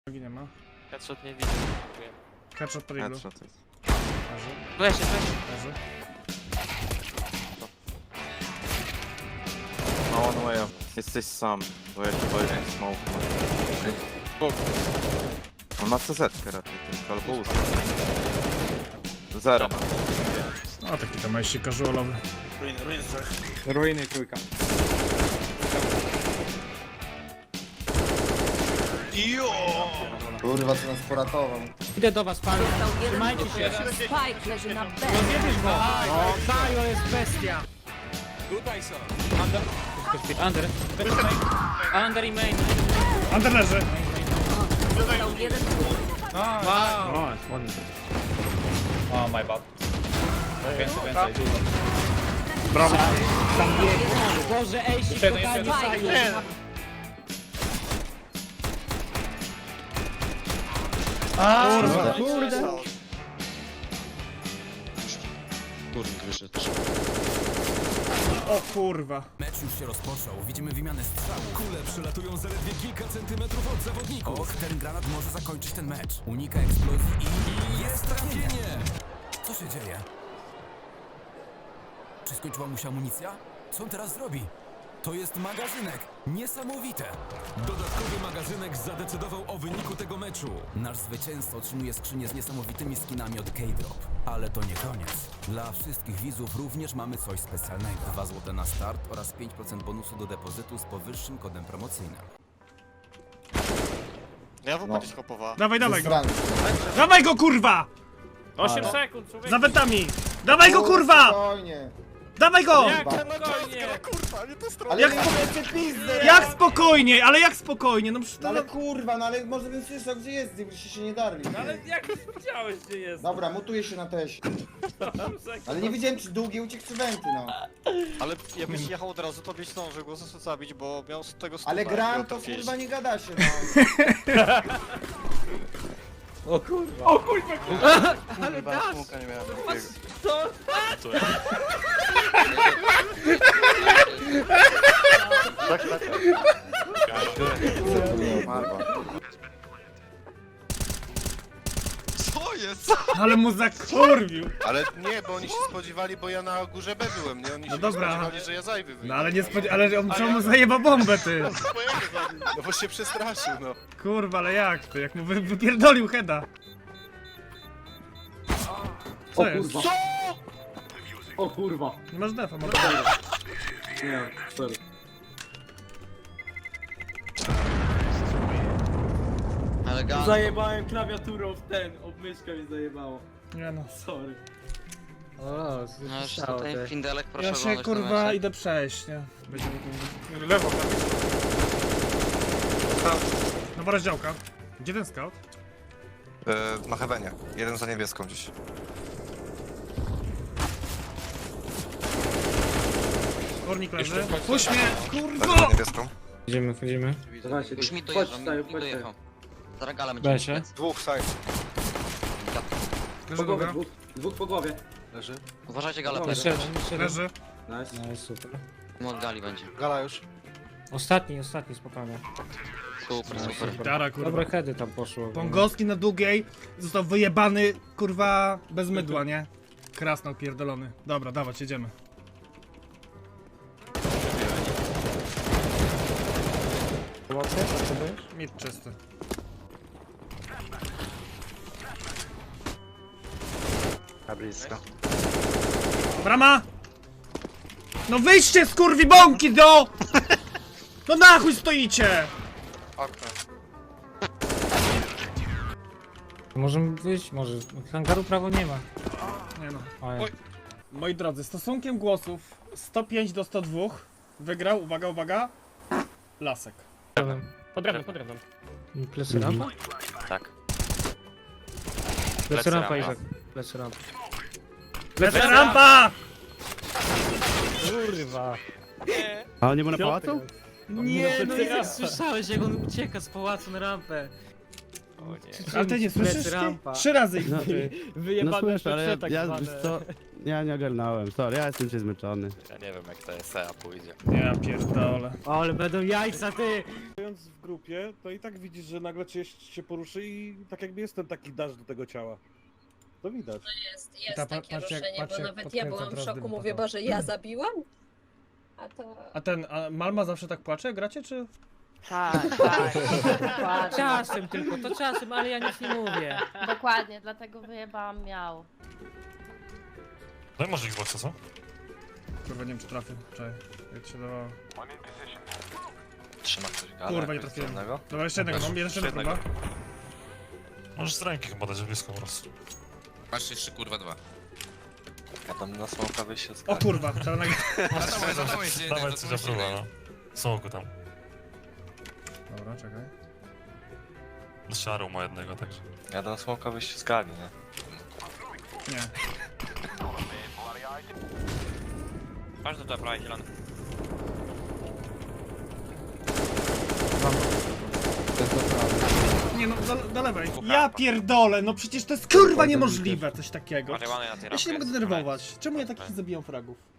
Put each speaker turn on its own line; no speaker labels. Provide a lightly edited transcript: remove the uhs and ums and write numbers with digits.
Nie ma.
Headshot nie widzę.
Headshot pod iglu.
Headshot jest.
Leży,
Weź się.
leży.
No one way up. Jesteś sam, bo ja chyba jeden smoke ma. On ma CZ-kę raczej tylko, albo usta. Zero.
No taki to majści casualowy.
Ruiny trójka.
Kurwa, co nas poratował.
Idę do was, panie.
Został jeden
Trzymajcie
wróg.
się.
Spike leży na B.
Rozjebiesz go. O, Kajo jest bestia. Tutaj są. Under. Under i main.
Under leży.
Został jeden wróg.
Wow.
Oh my bad. Więcej, dużo.
Brawo.
Boże, ej, się
jeden,
kochani.
jeszcze
Spike leży na B.
Kurwa.
Kurde.
O kurwa.
Mecz już się rozpoczął, widzimy wymianę strzałów. Kule przylatują zaledwie kilka centymetrów od zawodników. Och, ten granat może zakończyć ten mecz. Unika eksplozji i jest trafienie! Co się dzieje? Czy skończyła mu się amunicja? Co on teraz zrobi? To jest magazynek! Niesamowite! Dodatkowy magazynek zadecydował o wyniku tego meczu. Nasz zwycięzca otrzymuje skrzynię z niesamowitymi skinami od K-Drop. Ale to nie koniec. Dla wszystkich widzów również mamy coś specjalnego. 2 zł na start oraz 5% bonusu do depozytu z powyższym kodem promocyjnym.
Ja w ogóle hopowa.
Dawaj go.
Zrany.
Dawaj go kurwa!
8 sekund, człowiek.
Za wentami! Dawaj go kurwa!
Spokojnie.
Dawaj go!
Jak spokojnie.
Kurwa, nie to stronę.
Ale
Jak
jak jeszcze pizdę!
Jak spokojnie, ale jak spokojnie? No przecież
No ale kurwa, no ale może bym słyszał gdzie jest, gdybyście się nie darli.
Ale jak wiedziałeś, gdzie jest?
Dobra, mutuję się na teś. Ale nie wiedziałem czy długie uciekł czy wenty, no.
Ale jakbyś jechał od razu, to byś zdążył go zabić, bo miał z tego
Ale
stuwa,
gram
miał
to
trafić.
kurwa nie gada się, no.
Ale dasz.
Nie miałem
Co?
Co jest?
Ale mu zakurwił.
Ale nie, bo oni się spodziewali, bo ja na górze B byłem, nie? Oni się
dobra.
nie spodziewali, że ja zajwy wyjdę.
No ale nie ale on czemu mu zajeba bombę ty?
No bo się przestraszył, no.
Kurwa, ale jak ty? Jak mu wypierdolił heada. Co jest?
O kurwa.
Nie masz defa, może.
Nie, sorry.
Ale gaz.
Zajebałem klawiaturą w ten, obmyszka mi zajebało.
Nie no.
Sorry.
No już tutaj Findelek, proszę
Ja się
oglądać ten
kurwa
mecz.
idę przejść, nie?
Lewo.
Nowa rozdziałka. Gdzie ten scout?
Na Heavenie. Jeden za niebieską gdzieś.
Górnik leży. Puść mnie!
Leży
Kurwa!
za niebieską.
Wchodzimy.
Już mi dojechał, mi dojechał. Zaraz gala będzie.
Besie.
Dwóch side.
Leży druga.
Dwóch po głowie.
Leży.
Uważajcie gala
Jeszcze
plecy.
jeden, jeszcze jeden.
Leży.
Nice, super.
Od gali będzie.
Gala już.
Ostatni, spokojnie.
Super.
Dara kurwa.
Dobre heady tam poszło.
Pongowski na długiej został wyjebany, kurwa, bez mydła, nie? Krasnał pierdolony. Dobra, dawać, jedziemy. Mid czysty.
Na blisko.
Brama! No wyjdźcie z kurwi bąki do! No na chuj stoicie!
Okno.
Możemy wyjść, może. Hangaru prawo nie ma.
Nie no.
Oj.
Moi drodzy, stosunkiem głosów 105 do 102 wygrał, uwaga, Lasek.
Pod drewnem. Plecy rampa?
Tak.
Plecy rampa, Izak. Plecy rampa.
Lecę rampa!
Kurwa.
A nie ma na pałacu?
Nie, no ja słyszałeś jak on ucieka z pałacu na rampę.
Ale ty nie słyszysz? Ty?
rampa.
3 razy ich
No,
Wyjebane
słyszę, ale
tak
ja,
zwane.
wiesz co, ja nie ogarnąłem, sorry, ja jestem dzisiaj zmęczony.
Ja nie wiem jak to SEA pójdzie.
Ja pierdolę.
Ale będą jajca, ty!
Stojąc w grupie, to i tak widzisz, że nagle się poruszy i tak jakby jest ten taki dash do tego ciała. To widać.
Jest
Ta,
takie
patrz jak-
ruszenie,
patrz
bo
jak
nawet ja
podkręca
byłam w
teraz
szoku,
dym
mówię,
potem.
Boże, ja zabiłam? A
Malma zawsze tak płacze, jak gracie, czy?
Tak, dokładnie.
Czasem tylko, to czasem, ale ja nic nie mówię.
Dokładnie, dlatego wyjebałam miał.
Daj może Xboxa, co?
Kurwa, nie wiem czy trafię. Czekaj, jak się dawało.
Trzyma ktoś
Kurwa, nie trafiłem. Dobra, jeszcze jednego mam, jeszcze jedna próba.
Możesz z ręki chyba dać blisko po prostu.
Masz jeszcze kurwa 2.
Ja tam na smoka wyjście z
O kurwa, teraz nagle...
Dawaj coś za próbę, no. Smoku tam.
Dobra, czekaj.
Szarą ma jednego, także.
Ja na smoka wyjście z gali, nie?
Nie.
Masz do prawej zielony.
Nie no, do lewej. Ja pierdolę, no przecież to jest kurwa niemożliwe coś takiego. Ja się nie mogę denerwować. Czemu ja takich zabijam fragów?